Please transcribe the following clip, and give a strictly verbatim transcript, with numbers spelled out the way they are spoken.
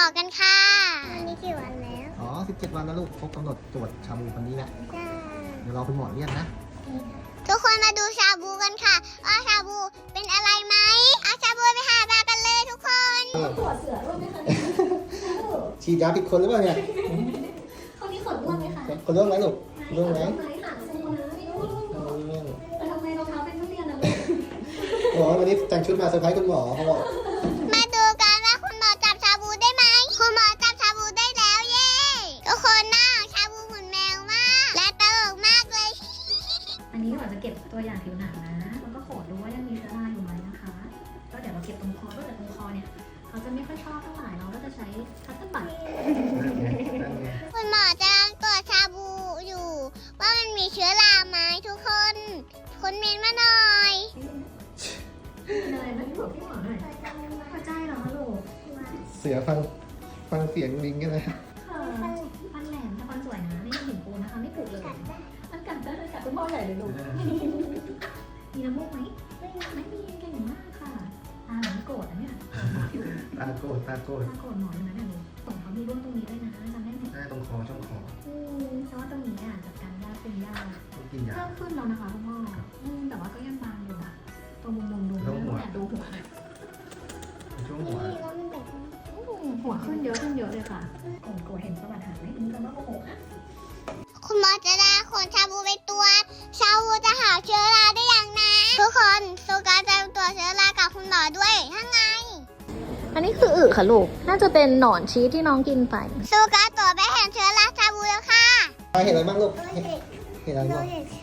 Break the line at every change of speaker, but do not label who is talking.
กันค่ะวันนี้กี่วันแล้ว
อ๋อสิบเจ็ดวันแล้วลูกครบกำหนดตรวจชาบูวันนี้แหละเดี๋ยวรอคุณหมอเรียกนะ
ทุกคนมาดูชาบูกันค่ะว่าชาบูเป็นอะไรไหมเอาชาบูไปหาบากันเลยทุกคนตรวจเสือร่วมไหมคะ
ฉีดยาผิดคนหรือเปล่าเนี่ย
คนนี้ขนร่วงไหมคะ
คนร่วงไหมลูกร่วงไหม
หางซูนะไม่รู้แต่ทำไมรองเท้าเป็นทุเรียนนะ
หมอวันนี้แต่งชุดมาเซอร์ไพรส์คุณหมอเขาบอก
มาดูกันว่าคุณหมอจับชาบูได้ไหมคุณหมอจับชาบูได้แล้วเย้ทุกคนหน้าชาบูหุ่นแมวมากและตลกมากเลย
อันนี้เราจะเก็บตัวอย่างผิวหนังนะแล้วก็โขดดูว่ายังมีเชื้อราอยู่ไหมนะคะแล้วเดี๋ยวเราเก็บตรงคอด้วยแต่ตรงคอเนี่ยเขาจะไม่ค่อยชอบเท่าไหร่เราก็จะใช้คัตเตอร์ปัด
คุณหมอจะตรวจชาบูอยู่ว่ามันมีเชื้อราไหมทุกคนคนเมนมาหน่อย
เป็นอะไรนะพี่บอกพี่หมอหน่อยหัวใจเหรอคะลูก
เสือฟังฟังเสียงลิงกันนะ
ฟันแหลมแต่ฟันสวยนะไม่มีหินปูนนะคะไม่ผุเลยมันกัดได้เลยกัดคุณพ่อใหญ่เลยลูกมีน้ำมูกไหมไม่มีเก่งมากค่ะตาเหมือนโกรธนะเนี่ย
ตาโกรธตาโกรธ
ตาโกรธหมอเลยนะเนี่ยส่งเขามีร่วงตรงนี้ด้วยนะจำได้ไหม
หน้าตรงคอช่องคอ
อืมแต่ว่าตรงนี้อ่ะจัดการยากเป็นยาก
ต้องกินยา
เพิ่มขึ้นแล้วนะคะคุณพ่ออืมแต่ว่าก็ยังบางอยู่อะตรงมุมมุมดูดูหัว
ช่วงหัว
หัวขึ้นเยอะขึ้นเยอะเลยค่ะโอ้โหเห็นสวัสดิ์หางไหมจำว่าโอ้โห
คุณหมอจะได้ขนชาบูไปตรวจชาบูจะหาเชื้อราได้อย่างนะทุกคนโซกาจะตรวจเชื้อรากับคุณหมอด้วยทั้งไง
อันนี้คืออึค่ะลูกน่าจะเป็นหนอนชีสที่น้องกินไป
โซกาตรวจไปเห็นเชื้อราชาบูแล้วค่ะ
เห็นอะไรบ้างลูกเห็นอะไรบ้าง
เห็นเชื้